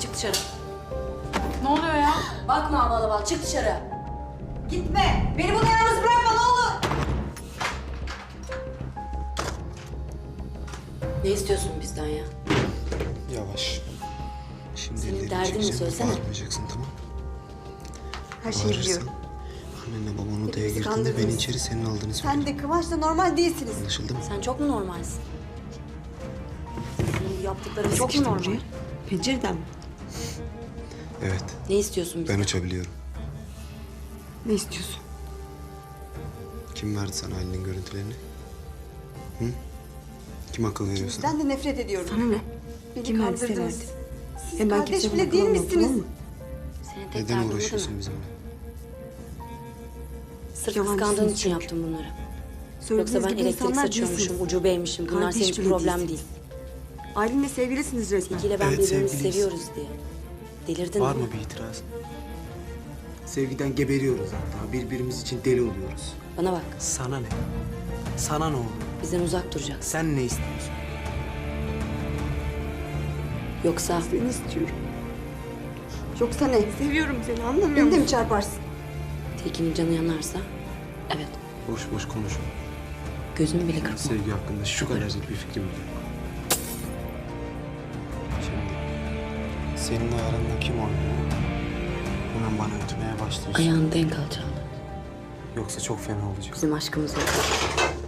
Çık dışarı. Ne oluyor ya? Bakma havalı bal. Çık dışarı. Gitme. Beni burada yalnız bırakma ne olur. Ne istiyorsun bizden ya? Yavaş. Şimdi Senin ellerini derdin ne? çekeceğim, Söylesene. bağırmayacaksın, tamam? Her şeyi Bağırırsan, biliyorum. annenle baban odaya Hepimizi girdiğinde kandırdınız. beni içeri senin aldığını Sen söyledim. de Kıvanç'la normal değilsiniz. Anlaşıldı mı? Sen çok mu normalsin? Senin bu yaptıkların çok mu normal? Pencereden mi? Evet, Ne istiyorsun bizden? ben uçabiliyorum. Ne istiyorsun? Kim verdi sana Halil'in görüntülerini? Hı? Kim akıl veriyor sana? Sizden de nefret ediyorum. Sana ne? Beni Kim verdiyse kandırdınız. verdi. Siz Hem ben kardeş kimseye bile değil bırakamam, misiniz? tamam mı? Senin tek Neden derdin bu değil uğraşıyorsun mi? bizimle? Sırf Yalancısınız kıskandığın için çünkü. yaptım bunları. Söylediğiniz Yoksa ben gibi elektrik insanlar saçıyormuşum, değilsiniz. ucu beymişim. Bunlar Kardeş senin için bile problem değilsiniz. değil. Aylin'le sevgilisiniz resmen. İkiyle ben Evet, birbirimizi sevgiliyiz. seviyoruz diye. Delirdin Var mi? mı bir itiraz? Sevgiden geberiyoruz hatta. Birbirimiz için deli oluyoruz. Bana bak, Sana ne? Sana ne oluyor? bizden uzak duracaksın. Sen ne istiyorsun? Yoksa Seni istiyorum. Yoksa ne? Seviyorum seni, anlamıyor Beni de mi musun? çarparsın? Tilkinin canı yanarsa, evet, Boş boş konuşma. gözümü bile kırpma. Sevgi hakkında şu kadarcık bir fikrim bile yok. Şimdi senin ayarında kim oynuyor? Hemen bana ötmeye başlıyorsun. Ayağını denk al Çağla. Yoksa çok fena olacak. Bizim aşkımız yok.